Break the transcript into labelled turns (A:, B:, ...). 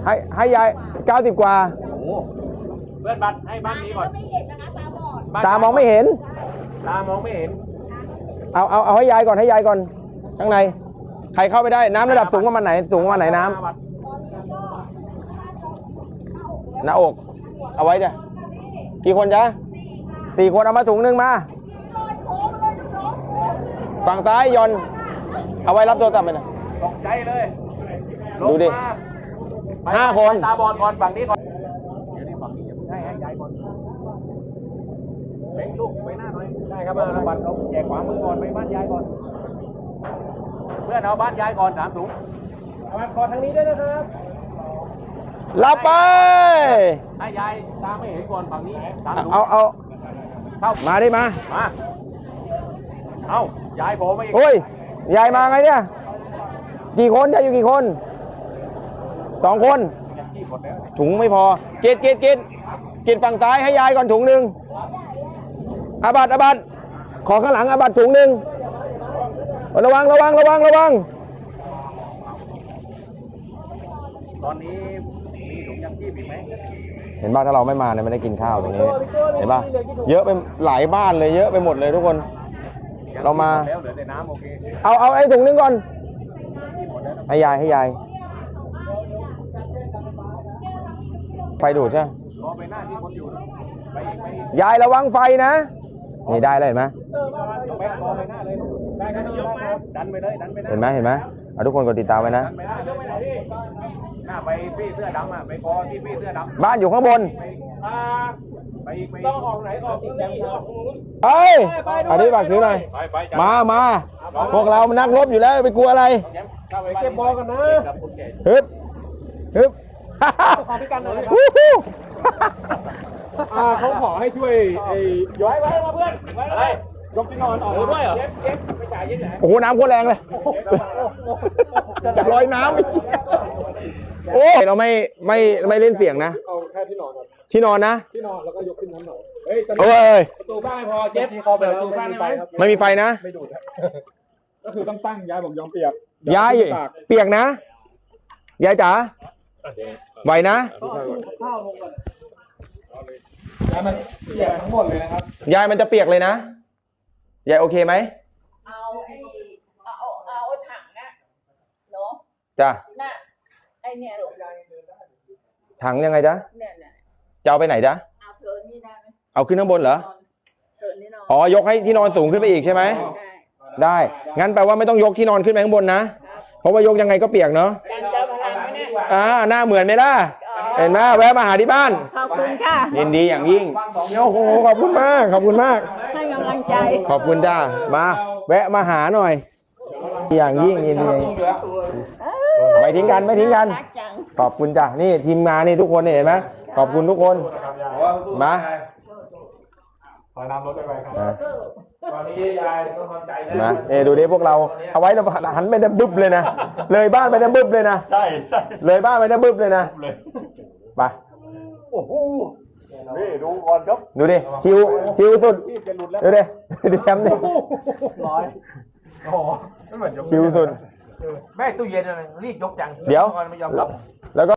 A: ให้ยาย90 กว่า
B: เพื่อนบัตรให้บ้านนี้ก่อน
C: ไม่เห็นนะคะตาบอด
A: ตามองไม่เห็น
B: ตามองไม่เห็น
A: เอาให้ยายก่อนให้ยายก่อนข้างในใครเข้าไปได้น้ำระดับสูงประมาณไหนน้ำหน้าอกเอาไว้จ้ะกี่คนจ๊ะ4 คนเอามาถุงนึงมาฝั่งซ้ายยนเอาไว้รับโทรศัพท์ไปนะ
B: ตกใจเลย
A: ดูดิ5 คน
B: ตาบอดก่อนฝั่งนี้ก่อนเดี๋ยวนี้ฝั่งนี้ให้ยายก่อนเล็งลูกไปหน้าหน่อยได้ครับบัตรเอาแจกขวามือก่อนไปบ้านยายก่อนเพื่อนเอาบ้านยายก่อน3 ถุงเอามาก่อนทางนี้ด้วยนะครับ
A: รับไป
B: ให้ยายตาไม่เห็นก่อนฝั่งนี้3 ถุง
A: เอามาดิมา
B: เอายายผมไม่
A: โอ้ยยายมาไงเนี่ยกี่คนจะอยู่กี่คน2 คนถุงไม่พอกินฝั่งซ้ายให้ยายก่อนถุงนึงอาบัตขอข้างหลังอาบัตถุงนึงระวัง
B: ตอนนี้มีถุงยังชีพอีกไหม
A: เห็นบ้านถ้าเราไม่มาเนี่ยไม่ได้กินข้าวตรงนี้เห็นป่ะเยอะไปหลายบ้านเลยเยอะไปหมดเลยทุกคนเรามา
B: แล้วเหลือแต่น้ำโอเค
A: เอาไอ้ถุงนึงก่อนให้ยายไฟดูดใช่
B: ไปหน้าที่คนอยู่ไป
A: ยายระวังไฟนะนี่ได้เลยเห็นไหม
B: ดันไปเลย
A: เห็นไหมเอาทุกคนกดติดตามไว้นะ
B: หน้าไปพี่เสื้อดำไปกอที่พี่เสื้อดำ
A: บ้านอยู่ข้างบน
B: ไปต้องออกไหนออกที่แชมป์
A: เฮ้ยอันนี้ฝากถือหน่อยมาพวกเรามันนักรบอยู่แล้วไปกลัวอะไร
B: เก็บบอลกันนะ
A: ฮึบ
B: ขอพี่กันหน่อยเขาขอให้ช่วยย้อยไว้มาเพื่อนอะไรยกที่นอนออกด้วยเหรอเจ็บไปจ่ายยังไง
A: โอ้โหน้ำโคตรแรงเลยจะลอยน้ำโอ้เราไม่เล่นเสียงนะ
B: เอาแค่ที่นอน
A: ที่นอนนะ
B: ที่นอนแล้วก็ยกขึ้นน้ำหน่อยเฮ้ยประตูบ้านไม่พอเจ็บพอแบบประตูบ้านได้ไหม
A: ไม่มีไฟนะ
B: ไม่ดูดก็คือต้องตั้งยายผมยอมเปียก
A: ยายเปียกนะยายจ๋าไหวนะ
B: ยายมันเปียกทั้งหมดเลยนะครับ
A: ยายมันจะเปียกเลยนะยายโอเคไหม
C: เอาถังนะเนาะ
A: จ้ะ
C: น่ะไอเนี่ยหรอ
A: ถังยังไงจ๊ะ
C: เนี่ย
A: จะเอาไปไหนจ๊ะ
C: เอาเถินนี่ได้ไหม
A: เอาขึ้นข้างบนเหรอ
C: เถินนี่นอน
A: อ๋อยกให้ที่นอนสูงขึ้นไปอีกใช่ไหมได้งั้นแปลว่าไม่ต้องยกที่นอนขึ้นไปข้างบนนะเพราะว่ายกยังไงก็เปียกเนาะหน้าเหมือนไหมล่ะเห็นไหมแวะมาหาที่บ้าน
C: ขอบคุณค่ะ
A: ยินดีอย่างยิ่งโอ้โหขอบคุณมาก
C: ให้กำลังใจ
A: ขอบคุณจ้ามาแวะมาหาหน่อยอย่างยิ่งยินดีไม่ทิ้งกันขอบคุณจ้านี่ทีมงานนี่ทุกคนเห็นไหมขอบคุณทุกคนมา
B: ขอน้ำรถไปครับตอนนี้ยายต้องทำใจ
A: นะดูดิพวกเราเอาไว้เราหันไปได้บึ้บเลยนะเลยบ้านไปได้บึ้บเลยนะ
B: ใช่
A: เลยบ้านไปได้บึ้บเลยนะไป
B: โอ้โหนี่ดูก่อนครับ
A: ดูดิชิวสุดดูดิดูแชมป์ดิ
B: ร้อยโอ้โหไม่เหมือน
A: ชิวสุด
B: แม่ตู้เย็นอะไรรีบยกจัง
A: เดี๋ยวแล้วก็